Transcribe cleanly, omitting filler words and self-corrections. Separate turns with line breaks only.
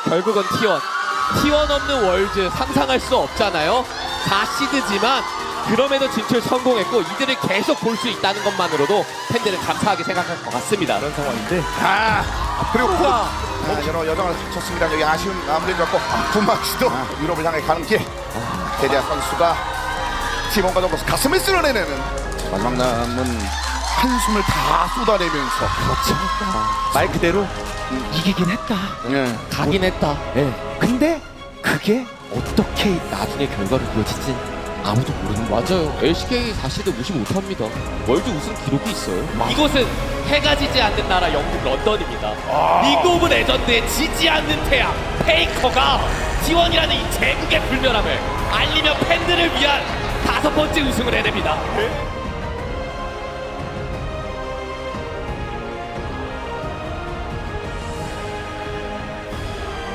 결국은 T1 없는 월드 상상할 수 없잖아요. 4시드지만 그럼에도 진출 성공했고 이들을 계속 볼 수 있다는 것만으로도 팬들은 감사하게 생각할 것 같습니다.
그런 상황인데
그리고 여러 여정을 거쳤습니다. 여기 아쉬운 마무리를 갖고 분마치도 유럽을 향해 가는 길. 대대한 선수가 팀원과 더불어서 가슴을 쓸어내는 마지막 남은 한숨을 다 쏟아내면서
말 그대로 이기긴 했다.
예.
가긴 했다.
근데 그게 어떻게 나중에 결과를 이어질지 아무도 모르는 거야.
맞아요. LCK 4시드 무시 못합니다. 월드 우승 기록이 있어요. 이곳은 해가 지지 않는 나라 영국 런던입니다. 리그 오브 레전드에 지지 않는 태양 페이커가 T1이라는 이 제국의 불멸함을 알리며 팬들을 위한 5번째 우승을 해냅니다.